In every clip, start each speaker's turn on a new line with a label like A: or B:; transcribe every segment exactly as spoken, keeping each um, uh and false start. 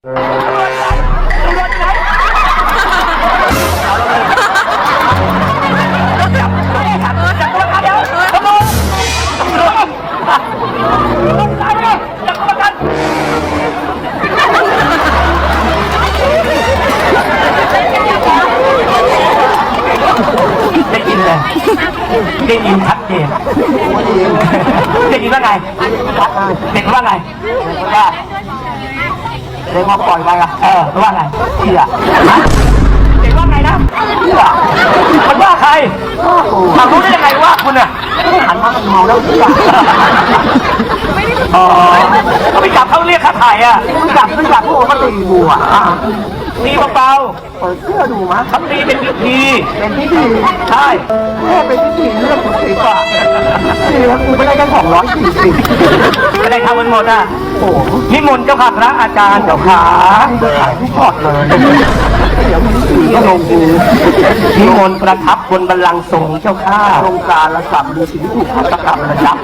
A: ได้ยินเลยได้ยินชัดเจนได้ยินว่าไงเด็กว่าไงว่าเด็กมาปล่อยไปอ่ะเออว่าไงเชี่ยเด็กว่าไงนะเชี่ยมันว่าใครถามรู้ได้ยังไงว่าคุณอ่ะหันมามันเมาแล้วเชี่ยอ๋อเขาไปจับเขาเรียกค่าถ่ายอ่ะจับไม่จับพวกเขาตีกูอ่ะตีเบาๆเปิดเสื้อดูมั้ยทำตีเป็นพิธีเป็นพิธีใช่แค่เป็นพิธีเรื่องของตีป่ะนี่แล้วกูไม่ได้แค่สองร้อยสี่สิบไม่ได้ทำมันหมดอ่ะโอ้นิมนต์เจ้าค่ะพระอาจารย์เจ้าขาขายทุกพอดเลยเดี๋ยวมึงตีก็ลงกูนิมนต์ประทับบนบัลลังก์ทรงเจ้าข้าโครงการละสามดูสิ่งที่ถูกฆาตกรรมระยับ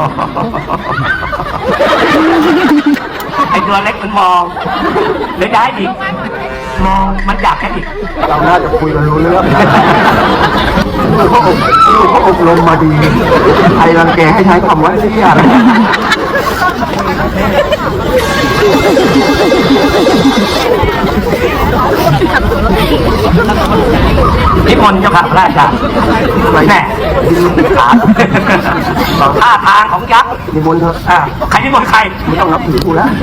A: ไอ้ตัวเล็กมันมองหรือได้อีกมองมันอยากแค่อีกเราน่าจะคุยกันรู้เรื่องเขาอบเขาอบรมมาดีใครรังแกให้ใช้คำว่าเสี้ยนิมนต์เจ้าค่ะพระอาจารย์แน่ขาท่าทางของยักษ์นิมนต์เถอะใครนิมนต์ใครไม่ต้องนับถือกูแล้ว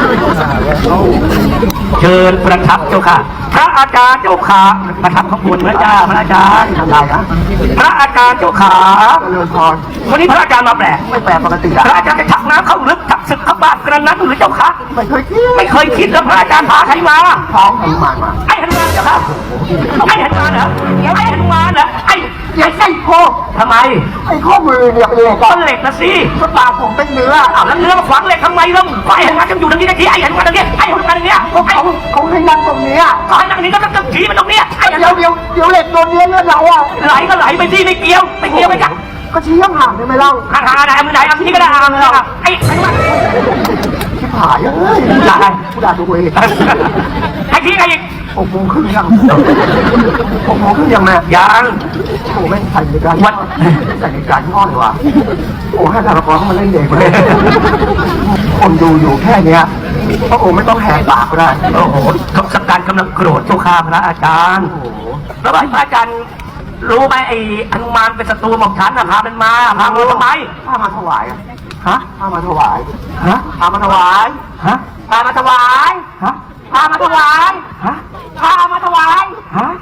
A: เชิญประทับเจ้าค่ะพระอาจารย์เจ้าขาประทับขบวนพระเจ้าพระอาจารย์ทำไรนะพระอาจารย์เจ้าขาเรื่องพรวันนี้พระอาจารย์มาแปลกไม่แปลกปกติพระอาจารย์จะถักน้ำเข้าลึกถักศึกเข้าบ้านกระนั้นหรือเจ้าคะไม่เคยคิดไม่เคยคิดแล้วพระอาจารย์พาใครมาพาหนุมานมาไอ้หนุมานเจ้าค่ะไอ้หนุมานเหรอไอ้หนุมานเหรอไอ้ไอ้ไส้โคทำไมไอ้ข้อมือเนี่ยเป็นเหล็กก็เหล็กนะสิก็ปากผมเป็นเนื้ออ้าวแล้วเนื้อมาฝังเหล็กทำไมล่ะไอ้หนุมานจะอยู่ตรงนี้ได้ทีไอ้หนุมานตรงนี้ไอ้หนุมานตรงนี้เขาเขาให้นั่งตรงนี้เขาให้นั่งนี้ก็ต้องขี่มันตรงนี้เดี๋ยวเดี๋ยวเดี๋ยวเหล็กโดนเนื้อเลือดเราอ่ะไหลก็ไหลไปสิไม่เกี่ยวไม่เกี่ยวไม่จับก็ชี้ห่างๆได้ไหมเล่าห่างๆไหนมือไหนเอาที่นี่ก็ได้ห่างเลยไอ้ไอ้ว่าชิบหายเอ้ยด่าใครผู้ด่าตัวเองไอ้ที่ใครอีกหกโมงครึ่งยังหกโมงครึ่งยังแม่ยังโอ้แม่งใส่ในการวัดใส่ในการง่อนว่ะโอ้ให้ทารกรเข้ามาเล่นเด็กเลยคนดูอยู่แค่เนี้ยพระองค์ไม่ต้องแหกปากก็ได้โอ้โหทศกัณฐ์กำลังโกรธเจ้าข้าพระอาจารย์แล้วพระอาจารย์รู้ไหมไอ้อนุมานเป็นศัตรูของฉันนะพามันมาพามาทำไมพามาถวายฮะพามาถวายฮะพามาถวายฮะพามาถวายฮะพามาถวายฮะพามาถวายฮะ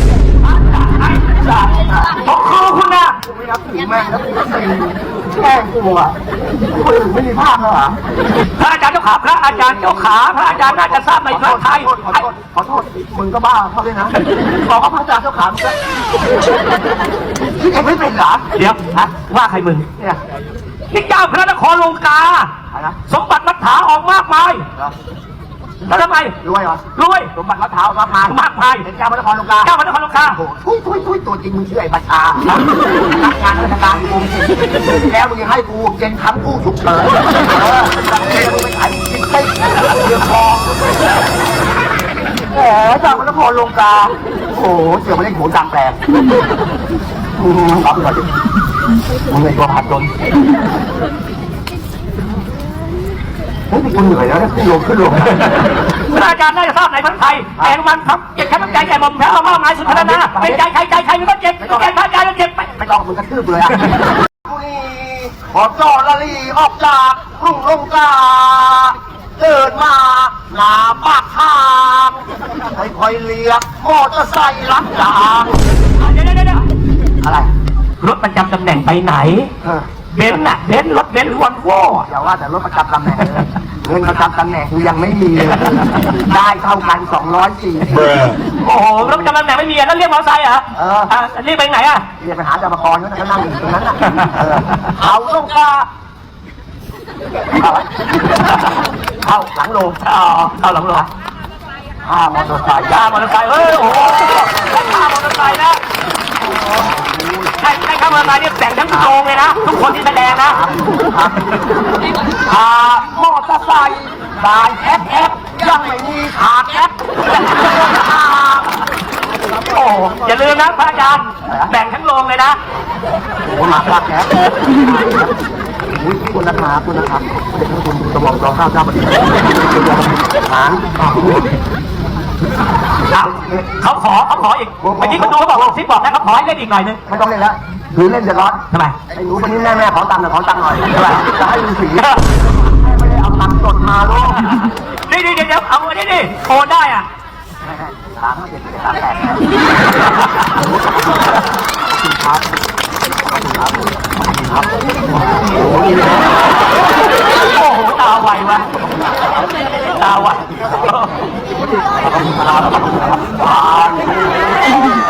A: ผมคือคุณนะไม่นับถือแม่งแล้วแกล้งกูอ่ะคนอื่นไม่มีภาพเหรอพระอาจารย์เจ้าขาพระอาจารย์เจ้าขาพระอาจารย์น่าจะทราบในพระไทยขอโทษขอโทษมึงก็บ้าเขาด้วยนะบอกว่าพระอาจารย์เจ้าขาที่เองไม่เป็นเหรอเดี๋ยวฮะว่าใครมึงเนี่ยนี่เจ้าพระนครลงกาสมบัติมัทธาออกมากมายแล้วทำไมรวยเหรอรวยสมบัติมัทธามากมายมากมายเป็นเจ้าพระนครลงกาเจ้าพระนครลงกาโอ้ทุยทุยทุยตัวจริงมึงชื่อไอ้ประชานักงานราชการกูแล้วมึงยังให้กูเจนคำกู้ฉุกเฉินเออจับเจนมึงไปขายกินไส้เรือคอแหมเจ้าพระนครลงกาโอ้เสือมาเล่นโขนกลางแปลงมึงรับหน่อยดิมึงไอ้ตัวผาดจนเฮ้ยคุณเหนื่อยแล้วขึ้นลงขึ้นลงพระอาจารย์น่าจะทราบในพระไทยแต่มันครับเจ็บแค่น้ำใจแก่หม่อมแพ้เอามากมายสุดขนาดนั้นเป็นใจใครใจใครมันก็เจ็บใจพระอาจารย์มันเจ็บไปไม่ต้องมึงกระทืบเลยอ่ะพอจอละลีออกจากทุ่งลงกาเดินมาหน้าปากทางค่อยๆเลี้ยงมอเตอร์ไซค์รับจ้างเดี๋ยวเดี๋ยวเดี๋ยวอะไรรถประจำตำแหน่งไปไหนเบนซ์น่ะเบนซ์รถเบนซ์วอนโว่อย่าว่าแต่รถประจำตำแหน่งเงินประจำตำแหน่งกูยังไม่มีเลยได้เท่ากันสองร้อยสี่สิบโอ้โหรถประจำตำแหน่งไม่มีแล้วเรียกมอเตอร์ไซค์เหรอเออเรียกไปไหนอ่ะเรียกไปหาจามกรเขานั่งอยู่ตรงนั้นน่ะเขาลงกาเข้าหลังโรงเข้าหลังโรงข้ามอเตอร์ไซค์ข้ามอเตอร์ไซค์เฮ้ยโอ้โหข้ามอเตอร์ไซค์นะใช่ใช่ข้ามอเตอร์ไซค์เนี่ยแต่งทั้งโรงเลยนะทุกคนที่แสดงนะพามอเตอร์ไซค์บายแอปแอปยังไม่มีขาดแอปโอ้อย่าลืมนะพระอาจารย์แบ่งทั้งโรงเลยนะโอ้หนักมากแอปคุณนะครับคุณนะครับคุณสมองรอข้าวเจ้าปฏิบัติหางเขาขอเขาขออีกเมื่อกี้คุณดูเขาบอกว่าซิปบอกนะเขาขอให้เล่นอีกหน่อยนึงไม่ต้องเล่นแล้วคือเล่นจะร้อนทำไมไอ้หนูคนนี้แม่แม่ขอตังค์หน่อยขอตังค์หน่อยทำไมจะให้ดูสีแม่ไม่ได้เอาตังค์สดมาลูกนี่นี่เดี๋ยวเอาอันนี้นี่โอนได้อ่ะสามเจ็ดสามแปดครับครับครับโอ้โหตาไววะตาไวตาไว